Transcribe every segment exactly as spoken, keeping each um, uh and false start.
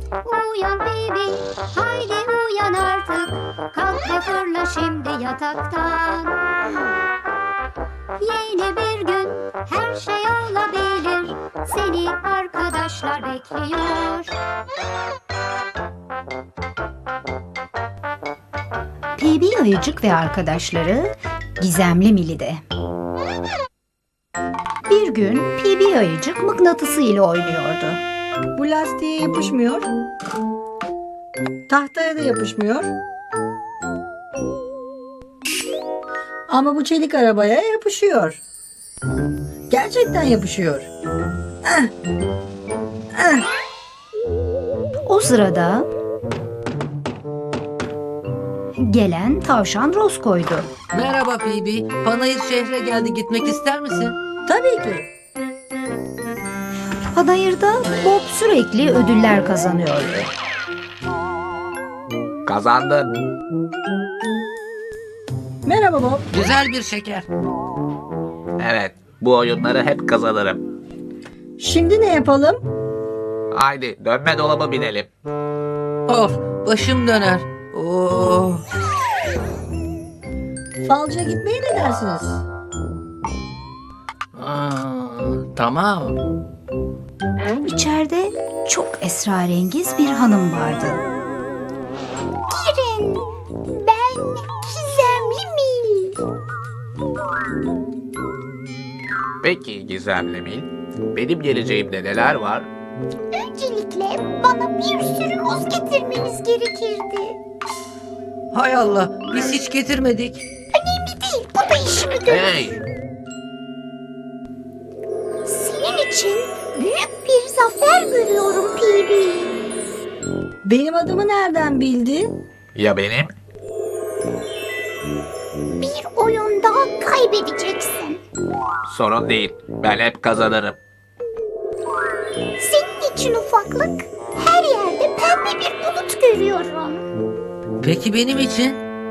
Uyan Bibi, haydi uyan artık. Kalk ve fırla şimdi yataktan. Yeni bir gün, her şey olabilir. Seni arkadaşlar bekliyor. Bibi ayıcık ve arkadaşları Gizemli Mili'de. Bir gün Bibi ayıcık mıknatısı ile oynuyordu. Bu lastiğe yapışmıyor. Tahtaya da yapışmıyor. Ama bu çelik arabaya yapışıyor. Gerçekten yapışıyor. Ah! Ah! O sırada gelen tavşan Roscoe'ydu. Merhaba Bibi. Panayır şehre geldi. Gitmek ister misin? Tabii ki. Panayır'da Bob sürekli ödüller kazanıyordu. Kazandın. Merhaba Bob. Güzel bir şeker. Evet, bu oyunları hep kazanırım. Şimdi ne yapalım? Haydi dönme dolaba binelim. Of, başım döner. Oh. Falcıya gitmeye ne dersiniz? Aa, tamam. İçeride çok esrarengiz bir hanım vardı. Girin, ben Gizemli Mil. Peki Gizemli Mil, benim geleceğimde neler var? Öncelikle bana bir sürü muz getirmeniz gerekirdi. Hay Allah, biz hiç getirmedik. Önemli değil, bu da işimi görür. Hey! Senin için büyük bir zafer görüyorum Bibi. Benim adımı nereden bildin? Ya benim? Bir oyunda kaybedeceksin. Sorun değil, ben hep kazanırım. Senin için ufaklık, her yerde pembe bir bulut görüyorum. Peki benim için?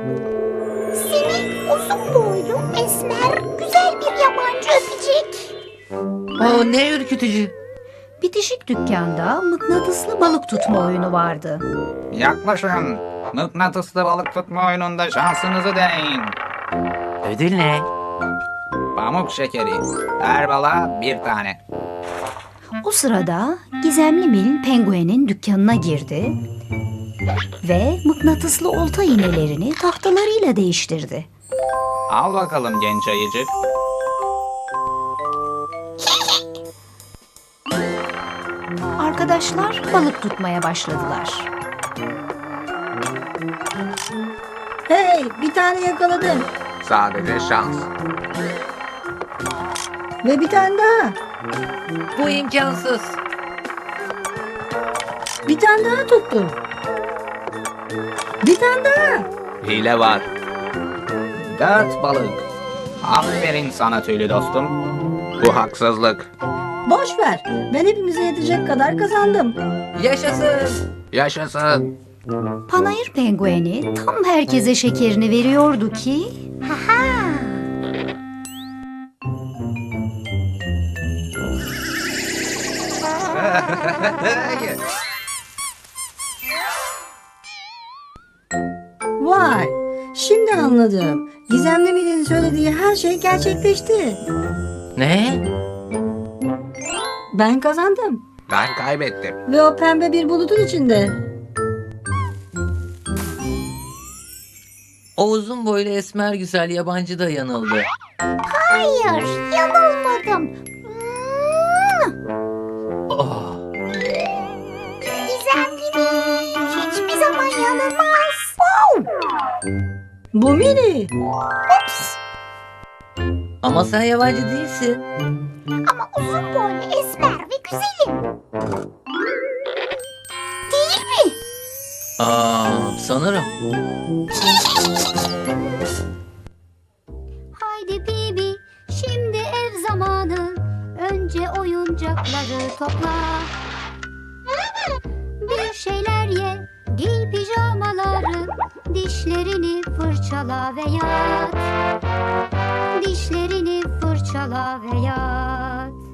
Seni uzun boylu, esmer, güzel bir yabancı öpecek. O ne ürkütücü. Bitişik dükkanda mıknatıslı balık tutma oyunu vardı. Yaklaşın, mıknatıslı balık tutma oyununda şansınızı deneyin. Ödül ne? Pamuk şekeri, her balığa bir tane. O sırada Gizemli Mil penguenin dükkanına girdi ve mıknatıslı olta iğnelerini tahtalarıyla değiştirdi. Al bakalım genç ayıcık. Arkadaşlar balık tutmaya başladılar. Hey, bir tane yakaladım. Sadece şans. Ve bir tane daha. Bu imkansız. Bir tane daha tuttum. Bir tane daha. Hile var. Dört balık. Aferin sana tüylü dostum. Bu haksızlık. Boş ver. Ben hepimize yetecek kadar kazandım. Yaşasın. Yaşasın. Panayır pengueni tam herkese şekerini veriyordu ki... Haha! Vay. Şimdi anladım. Gizemli Mil'in söylediği her şey gerçekleşti. Ne? Ben kazandım. Ben kaybettim. Ve o pembe bir bulutun içinde. O uzun boylu esmer güzel yabancı da yanıldı. Hayır, yanılmadım. Oh. Gizemli hiçbir zaman yanılmaz. Bu Mini. Ups! Ama sen yabancı değilsin. Ama uzun boylu, esmer ve güzelim. Değil mi? Aa, sanırım. Haydi Bibi, şimdi ev zamanı. Önce oyuncakları topla. Bir şeyler ye, giy pijamaları. Dişlerini fırçala ve yat. Dişlerini fırçala ve yat.